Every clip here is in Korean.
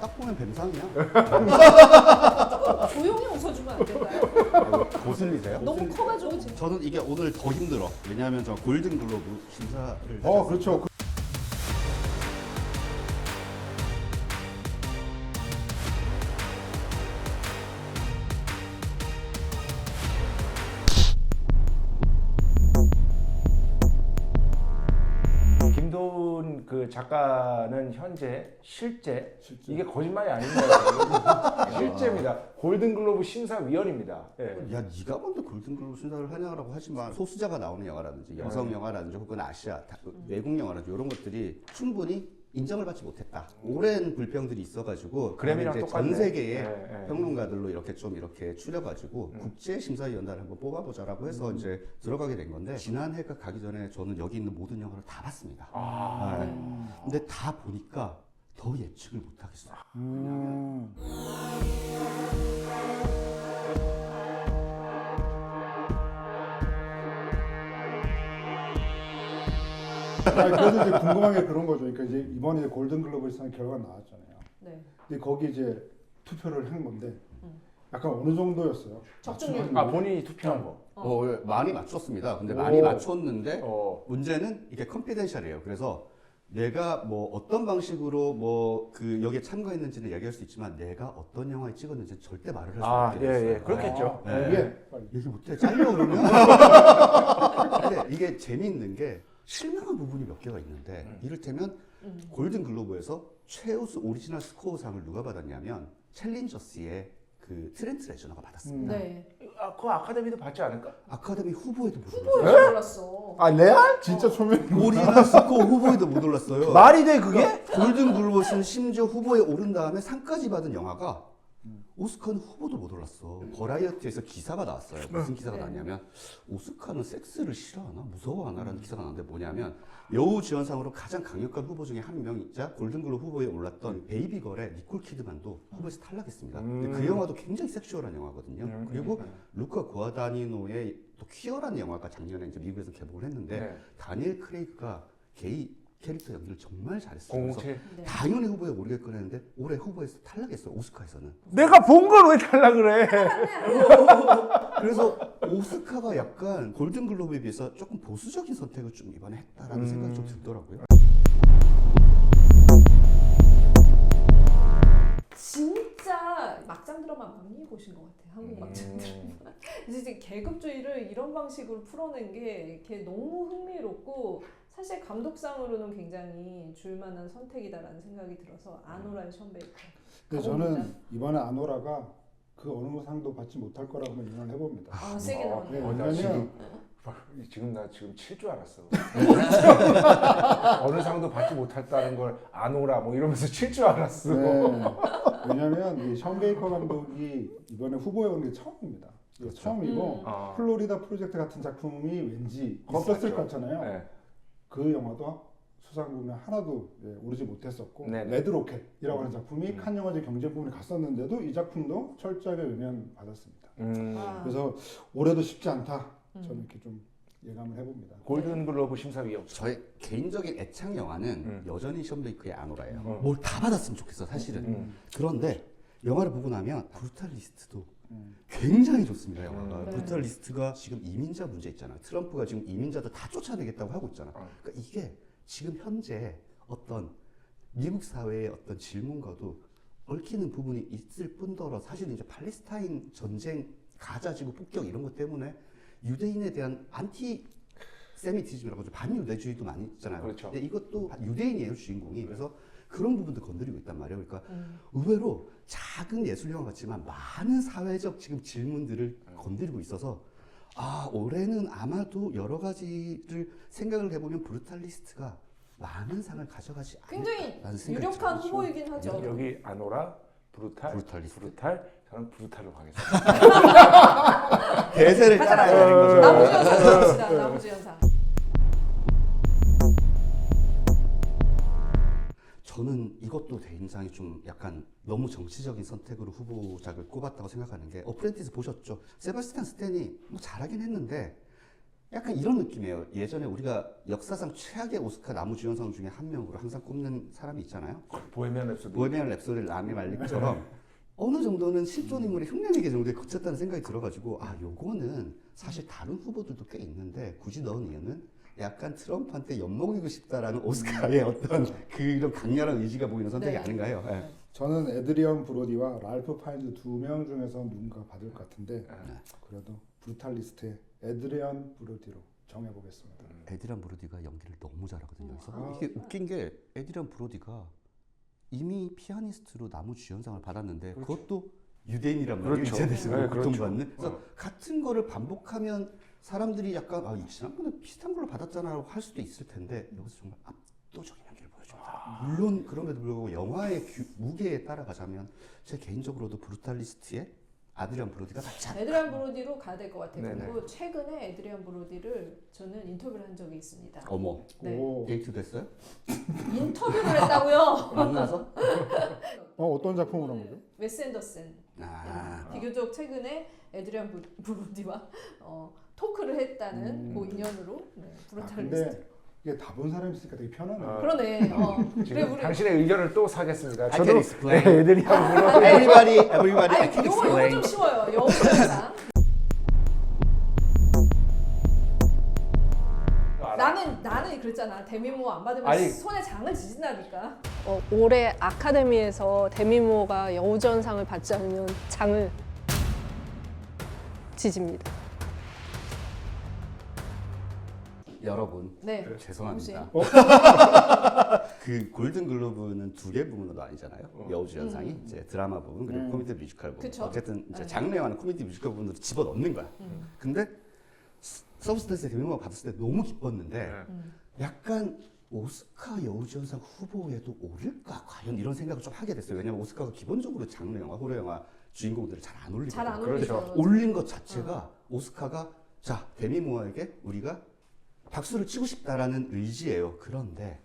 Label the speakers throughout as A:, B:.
A: 딱 보면 뱀상이야.
B: 조용히 웃어주면 안 될까요?
A: 거슬리세요?
B: 너무 커가지고 지금.
A: 저는 이게 오늘 더 힘들어. 왜냐하면 저 골든 글로브 심사를
C: 그렇죠.
D: 김도훈 그 작가는 현재 실제 이게 거짓말이 아닙니다. 실제입니다. 골든글로브 심사위원입니다. 예.
A: 야, 네가 먼저 골든 글로브 심사를 하냐라고 하지만 소수자가 나오는 영화라든지 여성 영화라든지 혹은 아시아 외국 영화라든지 이런 것들이 충분히 인정을 받지 못했다. 오랜 불평들이 있어가지고
D: 그래미랑
A: 이제
D: 똑같네.
A: 전 세계의
D: 네.
A: 평론가들로 이렇게 좀 이렇게 추려가지고 국제 심사위원단을 한번 뽑아보자라고 해서 이제 들어가게 된 건데 지난해가 가기 전에 저는 여기 있는 모든 영화를 다 봤습니다. 근데 다 보니까 더 예측을 못하겠어요.
C: 그래서 이제 궁금한 게 그런 거죠. 그러니까 이제 이번에 골든글로브상 결과가 나왔잖아요.
B: 네.
C: 근데 거기 이제 투표를 한 건데 약간 어느 정도였어요?
B: 적중률.
C: 맞추는
D: 아 본인이 투표한 거.
A: 많이 맞췄습니다. 근데
D: 오.
A: 많이 맞췄는데
D: 어.
A: 문제는 이게 컨피덴셜이에요. 그래서 내가 뭐 어떤 방식으로 뭐 그 여기에 참가했는지는 얘기할 수 있지만 내가 어떤 영화에 찍었는지 절대 말을 할 수
D: 아,
A: 없게
D: 예,
A: 됐어요.
D: 예. 그렇겠죠.
A: 네.
C: 이게 빨리.
A: 얘기 못해. 잘려 그러면. 근데 이게 재미있는 게 실망한 부분이 몇 개가 있는데 이를테면 골든 글로브에서 최우수 오리지널 스코어상을 누가 받았냐면 챌린저스의 그 트렌트 레저너가 받았습니다.
B: 네.
D: 아, 그 아카데미도 받지 않을까?
A: 아카데미 후보에도 못
B: 후보에
A: 올랐어요.
B: 올랐어.
D: 아 레알?
C: 진짜 초면
A: 오리지널 스코어 후보에도 못 올랐어요.
D: 말이 돼 그게?
A: 골든 글로브는 심지어 후보에 오른 다음에 상까지 받은 영화가 오스카는 후보도 못 올랐어. 버라이어티에서 기사가 나왔어요. 무슨 기사가
B: 네.
A: 나왔냐면 오스카는 섹스를 싫어하나 무서워하나라는 기사가 나왔는데 뭐냐면 여우 지원상으로 가장 강력한 후보 중에 한 명이자 골든글로브 후보에 올랐던 베이비걸의 니콜 키드만도 후보에서 탈락했습니다. 근데 그 영화도 굉장히 섹슈얼한 영화거든요. 그리고 루카 구아다니노의 또 퀴어라는 영화가 작년에 이제 미국에서 개봉을 했는데
D: 네.
A: 다니엘 크레이그가 게이 캐릭터 연기를 정말 잘했어요. 그래서
D: 007.
B: 네.
A: 당연히 후보에 오르겠거니 했는데 올해 후보에서 탈락했어요. 오스카에서는.
D: 내가 본 걸 왜 탈락을 해?
A: 그래서 오스카가 약간 골든글로브에 비해서 조금 보수적인 선택을 좀 이번에 했다라는 생각이 좀 들더라고요.
B: 진짜 막장 드라마 많이 보신 것 같아요. 한국 막장 드라마. 이제 계급주의를 이런 방식으로 풀어낸 게 걔 너무 흥미롭고 사실 감독상으로는 굉장히 줄만한 선택이다라는 생각이 들어서 아노라의 션 베이커.
C: 근데
B: 가봅니다.
C: 저는 이번에 아노라가 그 어느 상도 받지 못할 거라고 예상을 해봅니다.
B: 아 세게 나왔네.
C: 네,
D: 나
C: 왜냐면
D: 지금 칠 줄 알았어. 어느 상도 받지 못했다는 걸 아노라 뭐 이러면서 칠 줄 알았어.
C: 네, 왜냐면 이 션 베이커 감독이 이번에 후보에 오른 게 처음입니다. 이게 처음이고
D: 아.
C: 플로리다 프로젝트 같은 작품이 왠지 있었을 것 같잖아요.
D: 네.
C: 그 영화도 수상 부분에 하나도 오르지 못했었고
D: 네네.
C: 레드로켓이라고 하는 작품이 칸 영화제 경쟁 부분에 갔었는데도 이 작품도 철저하게 외면받았습니다.
B: 아.
C: 그래서 올해도 쉽지 않다. 저는 이렇게 좀 예감을 해봅니다.
D: 골든글로브 심사위원.
A: 저의 개인적인 애착 영화는 여전히 션 베이커의 아노라예요.
D: 음.
A: 뭘 다 받았으면 좋겠어 사실은. 그런데 영화를 보고 나면 브루탈리스트도 굉장히 좋습니다. 영화가.
B: 네.
A: 브루탈리스트가 지금 이민자 문제 있잖아요. 트럼프가 지금 이민자들 다 쫓아내겠다고 하고 있잖아. 그러니까 이게 지금 현재 어떤 미국 사회의 어떤 질문과도 얽히는 부분이 있을 뿐더러 사실은 이제 팔레스타인 전쟁, 가자 지구 폭격 이런 것 때문에 유대인에 대한 안티 세미티즘이라고 하죠. 반유대주의도 많이 있잖아요.
D: 그렇죠.
A: 근데 이것도 유대인이에요, 주인공이. 그래서 그런 부분도 건드리고 있단 말이에요. 그러니까 의외로 작은 예술 영화 같지만 많은 사회적 지금 질문들을 건드리고 있어서 아, 올해는 아마도 여러 가지를 생각을 해보면 브루탈리스트가 많은 상을 가져가지
B: 굉장히
A: 않을까라는 생각이
B: 유력한
A: 들죠.
B: 후보이긴 하죠.
D: 여기 아노라,
A: 브루탈리스트.
D: 브루탈. 저는 브루탈로 가겠습니다.
A: 대세를 따라야 되는 거죠.
B: 나무주연상 갑시다. 나무주연상.
A: 저는 이것도 개인상이 좀 약간 너무 정치적인 선택으로 후보작을 꼽았다고 생각하는 게 어프렌티스 보셨죠? 세바스찬 스탠이 뭐 잘하긴 했는데 약간 이런 느낌이에요. 예전에 우리가 역사상 최악의 오스카 남우주연상 중에 한 명으로 항상 꼽는 사람이 있잖아요.
D: 보헤미안 랩소디.
A: 보헤미안 랩소디를 라미 말릭처럼 어느 정도는 실존 인물의 흉내내기 정도에 그쳤다는 생각이 들어가지고 아 요거는 사실 다른 후보들도 꽤 있는데 굳이 넣은 이유는 약간 트럼프한테 엿먹이고 싶다라는 오스카의 어떤 그런 강렬한 의지가 보이는 선택이
B: 네.
A: 아닌가 해요. 예.
C: 저는 에드리언 브로디와 랄프 파인즈 두 명 중에서 누군가 받을 것 같은데 그래도 브루탈리스트의 에드리언 브로디로 정해보겠습니다.
A: 에드리안 브로디가 연기를 너무 잘하거든요. 여기서
C: 아.
A: 이게 웃긴 게 에드리안 브로디가 이미 피아니스트로 남우주연상을 받았는데 그것도 유대인이란 말이에요.
D: 그렇죠.
A: 유대인으로
D: 네,
A: 고통받는. 그래서 같은 거를 반복하면 사람들이 약간 아, 지난번에 비슷한 걸로 받았잖아라고 할 수도 있을 텐데 여기서 정말 압도적인 연기를 보여줍니다. 물론 그럼에도 불구하고 영화의 무게에 따라가자면 제 개인적으로도 브루탈리스트의 아드리안 브로디가 낫지 않나.
B: 에드리안 브로디로 가야 될 것 같아요.
D: 네네.
B: 그리고 최근에 에드리안 브로디를 저는 인터뷰를 한 적이 있습니다.
A: 어머,
B: 네.
C: 오,
A: 데이트 됐어요?
B: 인터뷰를 했다고요?
A: 만나서?
C: 어떤 작품을 한 거죠?
B: 웨스 앤더슨.
A: 아,
B: 비교적 최근에 에드리안 브로디와 토크를 했다는 그 인연으로 네, 브루탈리스트.
C: 근데 이게 다 본 사람이 있으니까 되게 편하네요.
B: 그러네. 그래
D: 지금
B: 우리
D: 당신의 의견을 또 사겠습니다.
A: I
D: 저도
A: can explain.
D: 네, 에드리안 브로디.
A: everybody, I can
B: 요거
A: explain.
B: 좀 쉬워요. 영상. 나는 그랬잖아. 데미모 안 받으면
D: 아니.
B: 손에 장을 지진다니까.
E: 올해 아카데미에서 데미모어가 여우주연상을 받지 않으면 장을 지집니다.
A: 여러분,
B: 네.
A: 죄송합니다.
B: 혹시?
A: 그 골든 글로브는 두 개 부문으로 나뉘잖아요. 여우주연상이 이제 드라마 부분 그리고 코미디 뮤지컬 부분.
B: 그쵸.
A: 어쨌든 이제
B: 네.
A: 장르 영화는 코미디 뮤지컬 부분으로 집어넣는 거야. 근데 서브스턴스 데뷔모가 받았을 때 너무 기뻤는데 약간 오스카 여우주연상 후보에도 오를까 과연 이런 생각을 좀 하게 됐어요. 왜냐면 오스카가 기본적으로 장르 영화, 호러 영화 주인공들을 잘 안 올리거든요.
B: 잘 안
D: 그렇죠.
B: 어울리죠.
A: 올린 것 자체가 오스카가 자 데미 모어에게 우리가 박수를 치고 싶다라는 의지예요. 그런데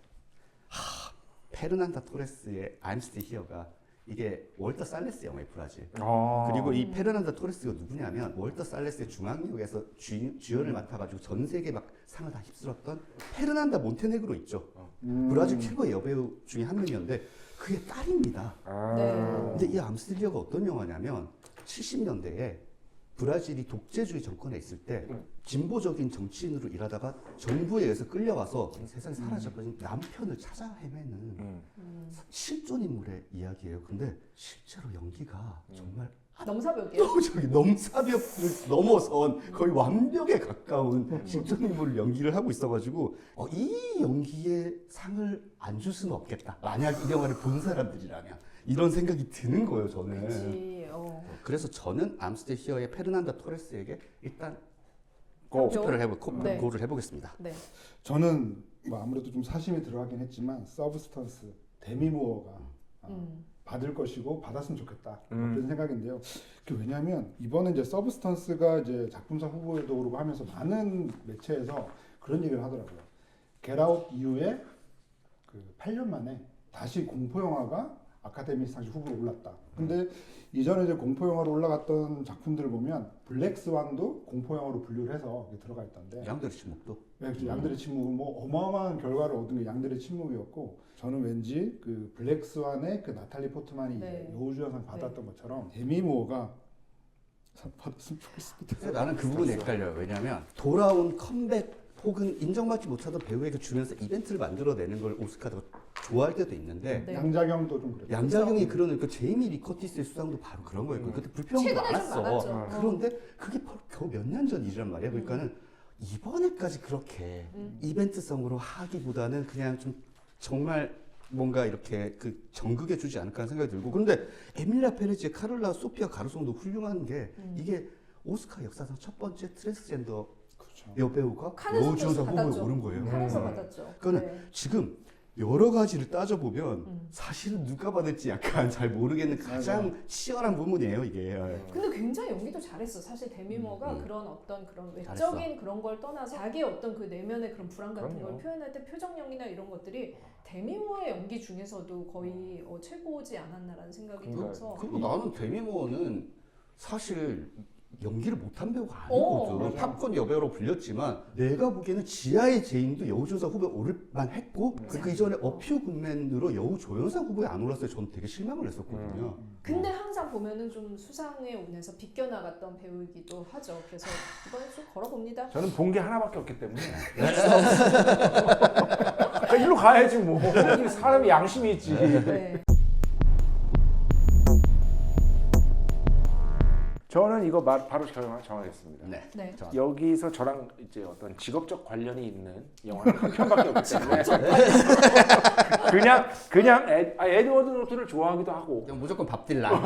A: 페르난다 토레스의 I'm Still Here가 이게 월터 살레스 영화의 브라질. 그리고 이 페르난다 토레스가 누구냐면 월터 살레스의 중앙역에서 주연을 맡아가지고 전 세계 막 상을 다 휩쓸었던 페르난다 몬테네그로 있죠. 브라질 최고의 여배우 중에 한 명이었는데 그의 딸입니다.
B: 네.
A: 근데 이 암스틸리어가 어떤 영화냐면 70년대에 브라질이 독재주의 정권에 있을 때 진보적인 정치인으로 일하다가 정부에 의해서 끌려와서 세상에 사라져버린 남편을 찾아 헤매는 실존 인물의 이야기예요. 근데 실제로 연기가 정말
B: 넘사벽이에요.
A: 압도적인 넘사벽을 넘어선 거의 완벽에 가까운 실존 인물을 연기를 하고 있어가지고 이 연기에 상을 안 줄 수는 없겠다. 만약 이 영화를 본 사람들이라면 이런 생각이 드는 거예요. 저는.
B: 그치.
A: 그래서 저는 암스테 히어의 페르난다 토레스에게 일단
B: 고.
A: 투표를
B: 네.
A: 고를 해보겠습니다.
B: 네.
C: 저는 뭐 아무래도 좀 사심이 들어가긴 했지만 서브스턴스 데미 무어가 받을 것이고 받았으면 좋겠다 그런 생각인데요. 왜냐하면 이번에 이제 서브스턴스가 이제 작품상 후보에도 오르고 하면서 많은 매체에서 그런 얘기를 하더라고요. 겟아웃 이후에 그 8년 만에 다시 공포 영화가 아카데미상 후보로 올랐다. 근데 이전에 이제 공포 영화로 올라갔던 작품들을 보면 블랙 스완도 공포 영화로 분류를 해서 들어가 있던데.
A: 양들의 침묵도.
C: 네, 그렇죠. 양들의 침묵은 뭐 어마어마한 결과를 얻은 게 양들의 침묵이었고, 저는 왠지 그 블랙 스완의 그 나탈리 포트만이
B: 네.
C: 여우주연상 받았던 것처럼 데미 무어가 상 받았으면 좋겠습니다.
A: 그래서 나는 그 부분이 헷갈려요. 왜냐하면 돌아온 컴백 혹은 인정받지 못하던 배우에게 주면서 이벤트를 만들어내는 걸 오스카가 좋아할 때도 있는데
B: 네.
C: 양자경도 좀 그랬고.
A: 양자경이 그러는 그 제이미 리 커티스의 수상도 바로 그런 거였고 그때 불평도
B: 최근에 좀
A: 많았어.
B: 많았죠.
A: 그런데 그게 겨우 몇 년 전 일이란 말이야. 그러니까는 이번에까지 그렇게 이벤트성으로 하기보다는 그냥 좀 정말 뭔가 이렇게 그 정극해 주지 않을까 하는 생각이 들고 그런데 에밀리아 페레지의 카를라 소피아 가르송도 훌륭한 게 이게 오스카 역사상 첫 번째 트랜스젠더
C: 그렇죠.
A: 여배우가
B: 칸에서
A: 여우주연상 후보에
B: 받았죠.
A: 오른 거예요.
B: 칸에서 받았죠.
A: 그러니까
B: 네.
A: 지금 여러 가지를 따져보면 사실은 누가 받을지 약간 잘 모르겠는 가장 치열한 부분이에요 이게.
B: 근데 굉장히 연기도 잘했어. 사실 데미모가 그런 어떤 그런 외적인
A: 잘했어.
B: 그런 걸 떠나서 자기의 어떤 그 내면의 그런 불안 같은
D: 그럼요.
B: 걸 표현할 때 표정 연기나 이런 것들이 데미모의 연기 중에서도 거의 최고지 않았나라는 생각이
D: 그러니까요.
B: 들어서
A: 그리고 나는 데미 모어는 사실 연기를 못한 배우가
B: 오,
A: 아니거든.
C: 맞아.
A: 팝콘 여배우로 불렸지만 내가 보기에는 지하의 제인도 여우조연상 후보에 오를 만했고 그 이전에 어퓨 굿맨으로 여우조연상 후보에 안 올랐어요. 저는 되게 실망을 했었거든요.
B: 근데 항상 보면은 좀 수상의 운에서 비껴나갔던 배우이기도 하죠. 그래서 이번에 좀 걸어봅니다.
D: 저는 본 게 하나밖에 없기 때문에 그러니까 일로 가야지 뭐. 사람이 양심이 있지.
B: 네.
D: 저는 이거 바로 정하겠습니다.
A: 네.
B: 네.
D: 자, 여기서 저랑 이제 어떤 직업적 관련이 있는 영화는 한 편밖에 없기 때문에 그냥 에드워드 노튼을 좋아하기도 하고
A: 그냥 무조건 밥 딜란.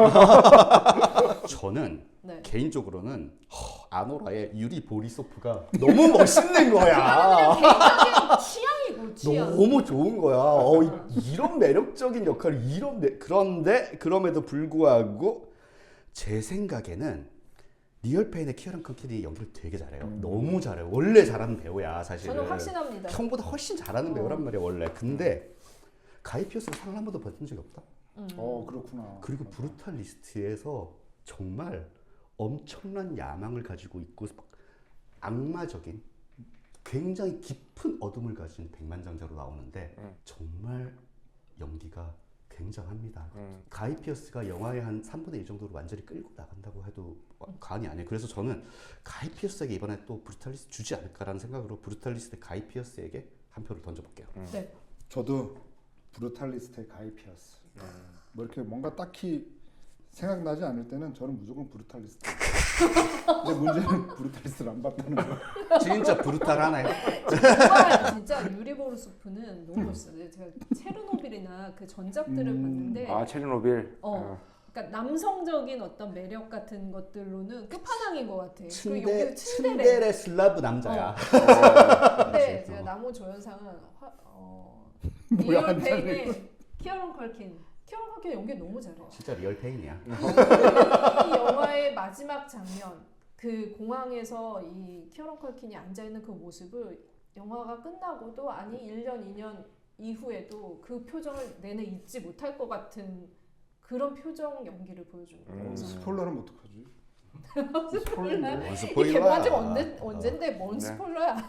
A: 저는
B: 네.
A: 개인적으로는 아노라의 유리 보리소프가 너무 멋있는 거야.
B: 그냥 개인적인 취향이고 취향.
A: 너무 좋은 거야. 이런 매력적인 역할을 그런데 그럼에도 불구하고 제 생각에는 리얼페인의 키어런 컨킬이 연기를 되게 잘해요. 너무 잘해요. 원래 잘하는 배우야 사실은.
B: 저는 확신합니다.
A: 형보다 훨씬 잘하는 배우란 말이야 원래. 근데 가이 피어스가 상을 한 번도 받은 적이 없다.
C: 그렇구나.
A: 그리고 브루탈리스트에서 정말 엄청난 야망을 가지고 있고 악마적인 굉장히 깊은 어둠을 가진 백만장자로 나오는데 정말 연기가 굉장합니다. 가이 피어스가 영화의 한 3분의 1 정도로 완전히 끌고 나간다고 해도 과언이 아니에요. 그래서 저는 가이 피어스에게 이번에 또 브루탈리스트 주지 않을까라는 생각으로 브루탈리스트 가이 피어스에게 한 표를 던져볼게요.
B: 네.
C: 저도 브루탈리스트의 가이 피어스. 뭐 이렇게 뭔가 딱히 생각나지 않을 때는 저는 무조건 브루탈리스트. 근데 문제는 브루탈리스트를 안 봤다는 거.
A: 진짜 브루탈하네.
B: 정말 진짜 유리보르소프는 너무 멋있어요. 제가 체르노빌이나 그 전작들을 봤는데
D: 체르노빌.
B: 그러니까 남성적인 어떤 매력 같은 것들로는 끝판왕인 것 같아. 그리고
A: 츤데
B: 여기 츤데레.
A: 츤데레 슬라브 남자야.
B: 근데 제가 남우 조연상은
C: 뭐야,
B: 리얼페인의 키어런 컬킨. 키어런 컬킨 연기 너무 잘해요.
A: 진짜 리얼페인이야.
B: 이 영화의 마지막 장면, 그 공항에서 이 키어런 컬킨이 앉아 있는 그 모습을 영화가 끝나고도 아니 1년, 2년 이후에도 그 표정을 내내 잊지 못할 것 같은 그런 표정 연기를 보여줍니다.
C: 스포일러는 어떡하지?
B: 스포일러.
A: 뭔
B: 이
A: 스포일러야.
B: 개봉한 지 언젠데 뭔
D: 네.
B: 스포일러야?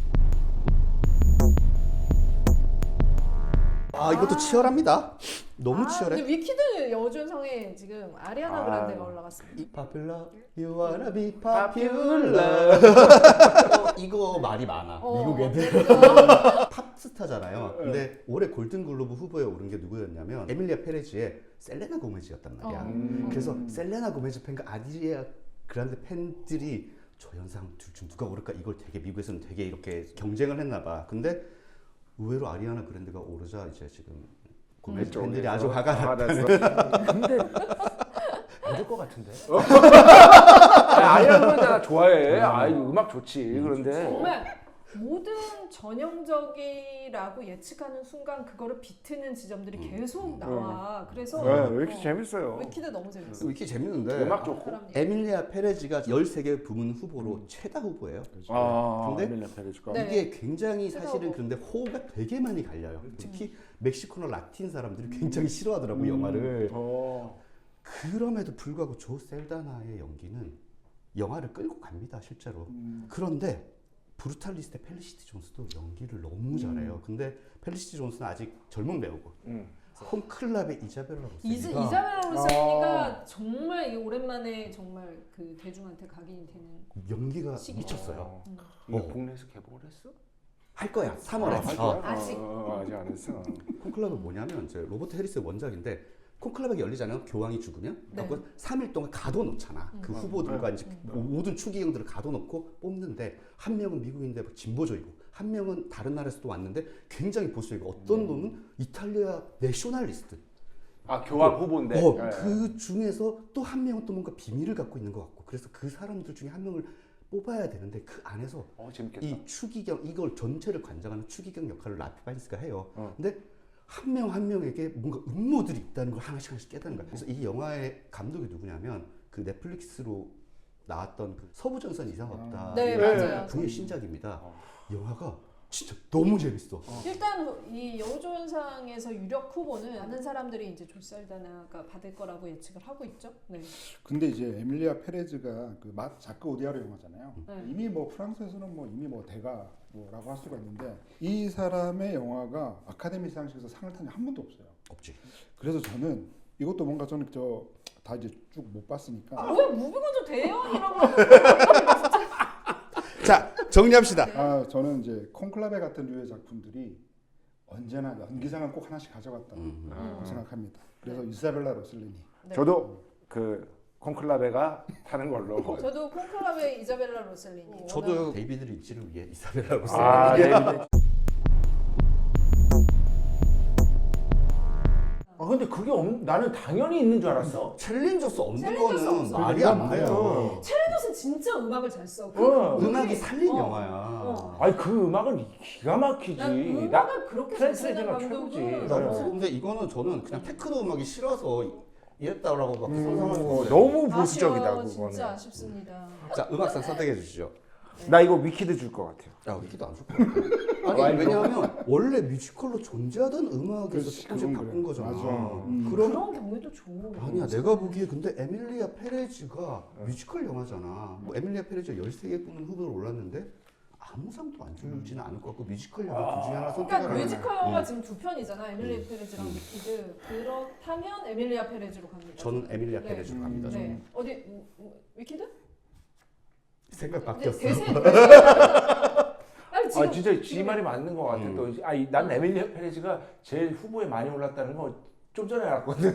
A: 이것도 치열합니다. 너무 치열해.
B: 근데 위키드 여우조연상에 지금 아리아나 그란데가 올라갔습니다.
A: Popular, you wanna be popular. 이거 말이 많아. 미국 애들. 팝스타잖아요. 근데 올해 골든글로브 후보에 오른 게 누구였냐면 에밀리아 페레즈의 셀레나 고메즈였단 말이야. 그래서 셀레나 고메즈 팬과 아리아 그란데 팬들이 조연상 둘 중 누가 오를까 이걸 되게 미국에서는 되게 이렇게 경쟁을 했나 봐. 근데 의외로 아리아나 그란데가 오르자 이제 지금 고메즈 팬들이 아주 화가 났다는.
D: 근데 안 될 것 같은데. 아리아나 그란데 나 좋아해. 음악 좋지. 그런데
B: 정말 모든 전형적이라고 예측하는 순간 그거를 비트는 지점들이 계속 나와. 그래서
D: 왜 이렇게 재밌어요?
B: 위키드 너무 재밌어.
A: 이렇게 재밌는데
D: 음악 좋고.
B: 사람
A: 에밀리아 페레즈가 13개 부문 후보로 최다 후보예요. 근데
D: 에밀리아 페레즈가.
B: 네.
A: 이게 굉장히
B: 최다
A: 사실은
B: 후보.
A: 그런데 호가 되게 많이 갈려요. 특히 멕시코나 라틴 사람들이 굉장히 싫어하더라고 영화를. 그럼에도 불구하고 조 셀다나의 연기는 영화를 끌고 갑니다 실제로. 그런데 브루탈리스트의 펠리시티 존스도 연기를 너무 잘해요. 근데 펠리시티 존스는 아직 젊은 배우고 홈클럽의 이자벨라 로세니가
B: 이자벨라 로세니가 정말 오랜만에 정말 그 대중한테 각인이 되는
A: 연기가
B: 시기죠.
A: 미쳤어요.
D: 이거 국내에서 개봉을 했어?
A: 할 거야 3월에.
B: 아직.
D: 아직 안 했어.
A: 콘클럽은 뭐냐면 이제 로버트 해리스의 원작인데 콘클럽이 열리잖아요. 교황이 죽으면.
B: 네.
A: 그래서 3일 동안 가둬놓잖아. 그 후보들과 이제 모든 추기경들을 가둬놓고 뽑는데 한 명은 미국인데 진보적이고 한 명은 다른 나라에서 또 왔는데 굉장히 보수적이고 어떤 놈은 이탈리아 내셔널리스트.
D: 교황 후보인데.
A: 그 중에서 또 한 명은 또 뭔가 비밀을 갖고 있는 것 같고 그래서 그 사람들 중에 한 명을 뽑아야 되는데 그 안에서
D: 재밌겠다.
A: 이 추기경 이걸 전체를 관장하는 추기경 역할을 라피 바인스가 해요. 근데 한 명 한 명에게 뭔가 음모들이 있다는 걸 하나씩 깨닫는 거야. 그래서 이 영화의 감독이 누구냐면 그 넷플릭스로 나왔던 그 서부전선 이상 없다.
B: 네, 맞아요.
A: 그의 신작입니다. 영화가 진짜 너무 재밌어.
B: 일단 이 여우조연상에서 유력 후보는 많은 사람들이 이제 조살다나가 받을 거라고 예측을 하고 있죠. 네.
C: 근데 이제 에밀리아 페레즈가 그 자크 오디아르 영화잖아요.
B: 네.
C: 이미 뭐 프랑스에서는 뭐 이미 뭐 대가 뭐라고 할 수가 있는데 이 사람의 영화가 아카데미 시상식에서 상을 탄 적 한 번도 없어요.
A: 없지.
C: 그래서 저는 이것도 뭔가 저는 다 이제 쭉 못 봤으니까
B: 왜 무비건조 대연이라고
A: 자, 정리합시다.
C: 저는 이제 콘클라베 같은 류의 작품들이 언제나 연기상은 꼭 하나씩 가져갔다고 생각합니다. 그래서 이사벨라 로셀리니.
B: 네.
D: 저도 그 콘클라베가 타는 걸로.
B: 저도 콘클라베 이자벨라 로셀리니.
A: 저도 데이비드 린치를 위해 이사벨라 로셀리니.
D: 아, 네. 아 근데 그게 나는 당연히 있는 줄 알았어.
A: 챌린저스 없는
B: 챌린저스
A: 거는
B: 없어.
A: 말이 안 돼요.
B: 챌린저스는 진짜 음악을 잘 써.
A: 음악이 살린
B: 어.
A: 영화야.
D: 아니 그 음악은 기가 막히지.
B: 난 음악을 그렇게 잘 쓰는
D: 트랜스레이저가
B: 감독은
D: 최고지.
B: 너무
A: 근데 이거는 저는 그냥 테크노 음악이 싫어서 이랬다라고 막 상상하는 건데.
D: 너무 보수적이다
B: 아쉬워요.
D: 그거는.
B: 진짜 아쉽습니다.
A: 자, 음악상 선택해 주시죠.
D: 나 이거 위키드 줄 것 같아요.
A: 야, 위기도 안 좋을 것 같아. 아니, 왜냐하면 원래 뮤지컬로 존재하던 음악에서
C: 그렇지,
A: 조금씩
C: 그건
A: 바꾼
C: 그래.
A: 거잖아.
C: 맞아.
A: 그럼
B: 그런 경우에도 좋은.
A: 아니야, 내가 보기에 근데 에밀리아 페레즈가 뮤지컬 영화잖아. 뭐 에밀리아 페레즈가 13개 뽑는 후보로 올랐는데 아무 상도 안 주지는 않을 것 같고 뮤지컬 영화 둘 중에 하나
B: 그러니까
A: 선택하라면
B: 뮤지컬 영화 지금 두 편이잖아. 에밀리아 페레즈랑 위키드. 그렇다면 에밀리아 페레즈로 갑니다.
A: 저는 에밀리아
B: 네.
A: 페레즈로 갑니다. 저는.
B: 네. 어디 위키드?
A: 생각
B: 네,
A: 바뀌었어.
B: 대세. 아니,
D: 아 진짜 지 말이 맞는 것 같아.
A: 음.
D: 또 난 에밀리아 페레즈가 제일 후보에 많이 올랐다는 거 좀 전에 알았거든.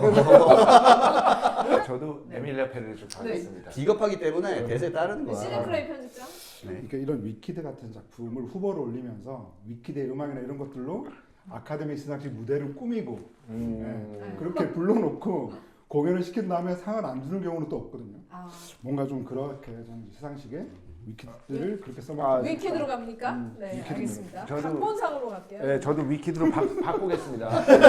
D: 저도 에밀리아 페레즈 가겠습니다.
A: 비겁하기 때문에 대세에 따르는 거야.
B: 시네클레이 편집장.
A: 네.
C: 그러니까 이런 위키드 같은 작품을 후보로 올리면서 위키드의 음악이나 이런 것들로 아카데미 시상식 무대를 꾸미고 네. 그렇게 불러놓고 공연을 시킨 다음에 상을 안 주는 경우는 또 없거든요.
B: 아,
C: 뭔가 좀 그렇게 좀 시상식에 위키드를 그렇게 써먹지
B: 위키드로 갑니까? 네,
C: 위키드로.
B: 알겠습니다.
D: 저도-
B: 각본상으로 갈게요.
D: 네, 저도 위키드로 바꾸겠습니다.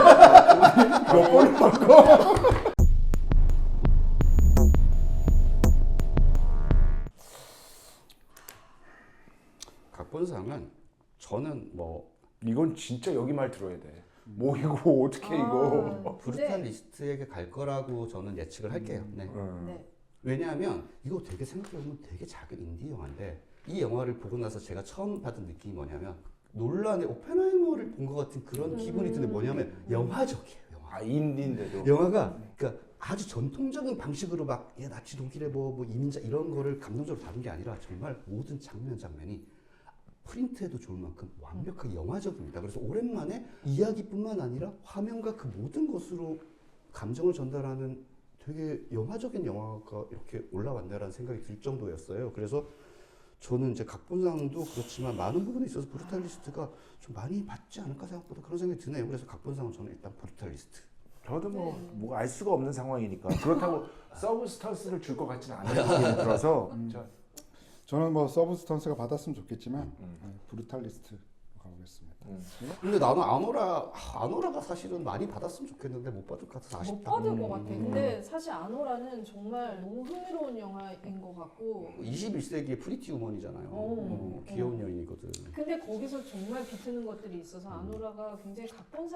A: 각본상은 저는 뭐
D: 이건 진짜 여기 말 들어야 돼. 뭐 이거 어떻게 이거?
A: 브루탈리스트에게 갈 거라고 저는 예측을 할게요. 네.
B: 네.
A: 왜냐하면 이거 되게 생각해보면 되게 작은 인디 영화인데 이 영화를 보고 나서 제가 처음 받은 느낌이 뭐냐면 논란의 오펜하이머를 본 것 같은 그런 기분이 드는데 뭐냐면 영화적이에요. 영화.
D: 아 인디인데도.
A: 영화가 그러니까 아주 전통적인 방식으로 막 나치 독일의 뭐 이민자 이런 거를 감동적으로 다룬 게 아니라 정말 모든 장면이 프린트해도 좋을 만큼 완벽하게 영화적입니다. 그래서 오랜만에 이야기뿐만 아니라 화면과 그 모든 것으로 감정을 전달하는 되게 영화적인 영화가 이렇게 올라왔네라는 생각이 들 정도였어요. 그래서 저는 이제 각본상도 그렇지만 많은 부분에 있어서 브루탈리스트가 좀 많이 받지 않을까 생각보다 그런 생각이 드네요. 그래서 각본상은 저는 일단 브루탈리스트.
D: 저도 뭐 알 수가 없는 상황이니까 그렇다고 서브스턴스를 줄 것 같지는 않은 느낌이 들어서
C: 저는 뭐 서브스턴스가 받았으면 좋겠지만 브루탈리스트 가보겠습니다.
A: 근데 나는 아노라가 사실은 많이 받았으면 좋겠는데 못 받을 것 같아서
B: 못
A: 아쉽다.
B: 받을 것 같아. 근데 사실 아노라는 정말 너무 흥미로운 영화인 것 같고
A: 21세기의 프리티 우먼이잖아요. 귀여운 여인이거든.
B: 근데 거기서 정말 비트는 것들이 있어서 아노라가 굉장히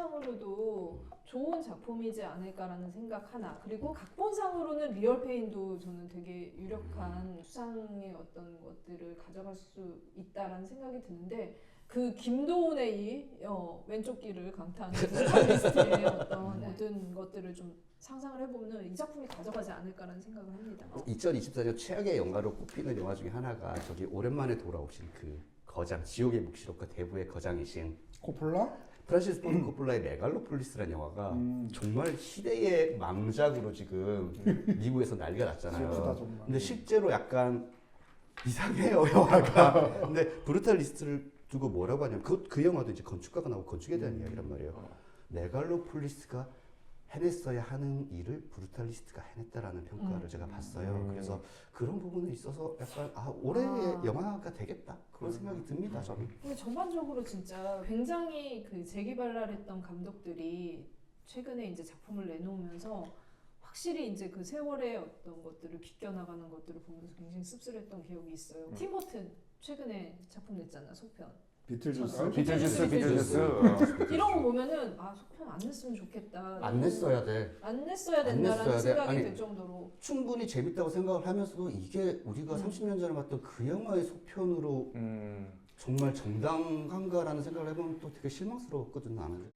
B: 각본상으로도 좋은 작품이지 않을까라는 생각 하나. 그리고 각본상으로는 리얼 페인도 저는 되게 유력한 수상의 어떤 것들을 가져갈 수 있다라는 생각이 드는데 그 김도훈의 이 왼쪽 귀를 강타하는 브루탈리스트의 어떤 모든 것들을 좀 상상을 해보면 이 작품이 가져가지 않을까라는 생각을 합니다.
A: 2024년 최악의 영화로 꼽히는 영화 중에 하나가 저기 오랜만에 돌아오신 그 거장 지옥의 묵시록과 대부의 거장이신
C: 코폴라?
A: 프란시스 포드 코폴라의 메갈로폴리스라는 영화가 정말 시대의 망작으로 지금 미국에서 난리가 났잖아요.
C: 슬프다, 정말.
A: 근데 실제로 약간 이상해요 영화가. 근데 브루탈리스트를 두고 뭐라고 하냐면 그 영화도 이제 건축가가 나오고 건축에 대한 이야기란 말이에요. 메갈로폴리스가 해냈어야 하는 일을 브루탈리스트가 해냈다라는 평가를 제가 봤어요. 그래서 그런 부분에 있어서 약간 올해의 영화가 되겠다 그런 생각이 듭니다. 저는.
B: 근데 전반적으로 진짜 굉장히 그 재기발랄했던 감독들이 최근에 이제 작품을 내놓으면서 확실히 이제 그 세월의 어떤 것들을 비껴나가는 것들을 보면서 굉장히 씁쓸했던 기억이 있어요. 팀 버튼 최근에 작품 냈잖아, 소편.
C: 비틀주스.
D: 비틀주스.
B: 이런 거 보면은 아 속편 안 냈으면 좋겠다.
A: 안 냈어야 돼.
B: 안 냈어야
A: 안
B: 된다라는
A: 냈어야 돼.
B: 생각이
A: 아니,
B: 들 정도로.
A: 충분히 재밌다고 생각을 하면서도 이게 우리가 30년 전에 봤던 그 영화의 속편으로 정말 정당한가라는 생각을 해보면 또 되게 실망스러웠거든 나는.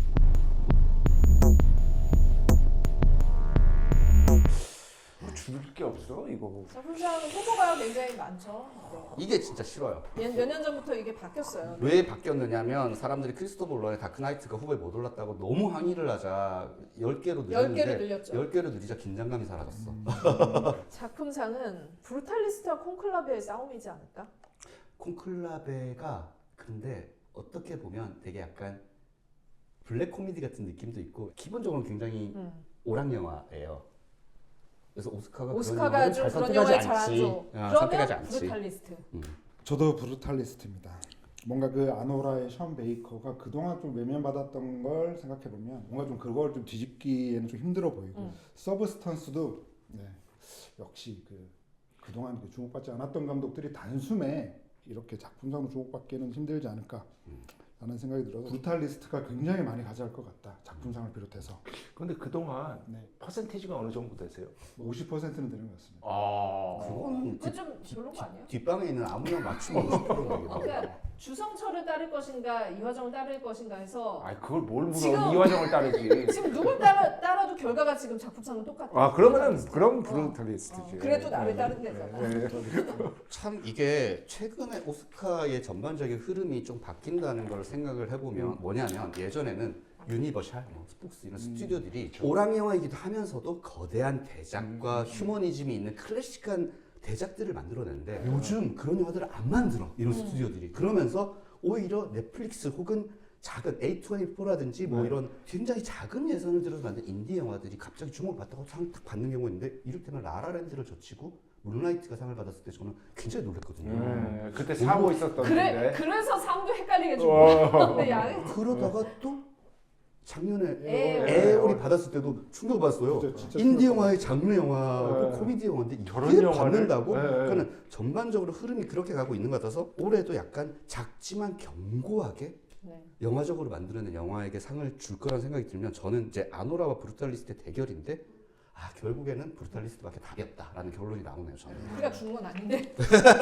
D: 줄일 게 없어 이거.
B: 작품상 후보가 굉장히 많죠.
A: 이게 진짜 싫어요.
B: 몇 년 전부터 이게 바뀌었어요.
A: 왜 바뀌었느냐면 사람들이 크리스토퍼 놀란의 다크나이트가 후보에 못 올랐다고 너무 항의를 하자 10개로
B: 10개로
A: 늘렸는데
B: 늘렸죠.
A: 10개로 늘리자 긴장감이 사라졌어.
B: 작품상은 브루탈리스트와 콘클라베의 싸움이지 않을까?
A: 콘클라베가 근데 어떻게 보면 되게 약간 블랙 코미디 같은 느낌도 있고 기본적으로 굉장히 오락 영화예요. 그래서
B: 오스카가 좀 그런 영화에 잘하죠.
A: 선택하지
B: 그러면
A: 않지.
B: 브루탈리스트.
C: 저도 브루탈리스트입니다. 뭔가 그 아노라의 션 베이커가 그동안 좀 외면받았던 걸 생각해 보면 뭔가 좀 그걸 좀 뒤집기에는 좀 힘들어 보이고 서브스턴스도 네, 역시 그동안 주목받지 않았던 감독들이 단숨에 이렇게 작품상으로 주목받기에는 힘들지 않을까 라는 생각이 들어서 브루탈리스트가 굉장히 많이 가져갈 것 같다. 작품상을 비롯해서.
D: 근데 그동안
C: 네.
D: 퍼센테이지가 어느 정도 되세요?
C: 50%는 되는 것 같습니다.
A: 그거는
B: 그건 좀 별론 거 아니야?
A: 뒷방에 있는 아무나 맞추면 50%는 되겠다.
B: 그러니까 주성철을 따를 것인가 이화정을 따를 것인가 해서
D: 아 그걸 뭘 물어?
B: 지금-
D: 이화정을 따르지.
B: 지금 누굴 따라도 결과가 지금 작품상은 똑같아.
D: 아 그러면은
B: 브루탈리스트.
D: 그럼
B: 어.
D: 브루탈리스트지.
B: 그래도 나를 따른 데잖아.
D: 네.
A: 참 이게 최근에 오스카의 전반적인 흐름이 좀 바뀐다는 걸 생각을 해보면 뭐냐면 예전에는 유니버셜, 스폭스 이런 스튜디오들이 오락 영화이기도 하면서도 거대한 대작과 휴머니즘이 있는 클래식한 대작들을 만들어내는데 요즘 그런 영화들을 안 만들어 이런 스튜디오들이. 그러면서 오히려 넷플릭스 혹은 작은 A24라든지 뭐 이런 굉장히 작은 예산을 들여서 만든 인디 영화들이 갑자기 주목을 받다가 상을 딱 받는 경우가 있는데 이를테면 라라랜드를 젖히고 문라이트가 상을 받았을 때 저는 굉장히 놀랐거든요.
D: 그때 사고 있었던 건데.
B: 그래서 상도 헷갈리게 준 거야. 근데 야,
A: 그러다가 또 작년에
B: 에어리.
A: 받았을 때도 충격받았어요.
C: 진짜
A: 인디 영화의 장르 영화,
D: 네.
A: 코미디 영화인데
D: 저런
A: 이게
D: 영화를?
A: 받는다고?
D: 네.
A: 그러니까 전반적으로 흐름이 그렇게 가고 있는 것 같아서 올해도 약간 작지만 견고하게
B: 네.
A: 영화적으로 만들어낸 영화에게 상을 줄 거란 생각이 들면 저는 이제 아노라와 브루탈리스트의 대결인데 결국에는 브루탈리스트밖에 답이 없다라는 결론이 나오네요. 저는.
B: 우리가 준 건 아닌데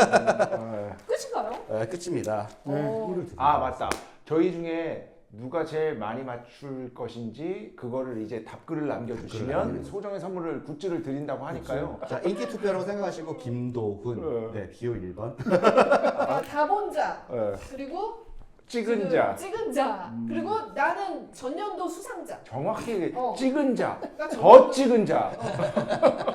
D: 아,
B: 끝인가요?
A: 끝입니다.
B: 어.
D: 아 맞다. 저희 중에 누가 제일 많이 맞출 것인지 그거를 이제 답글을 남겨주시면 소정의 선물을 굿즈를 드린다고 하니까요.
A: 자, 인기 투표라고 생각하시고 김도훈, 네, 기호 1번.
B: 다본자
D: 네.
B: 그리고
D: 찍은 자.
B: 찍은 자 그리고 나는 전년도 수상자.
D: 정확히
B: 어.
D: 찍은 자,
B: 그러니까
D: 더 찍은 자.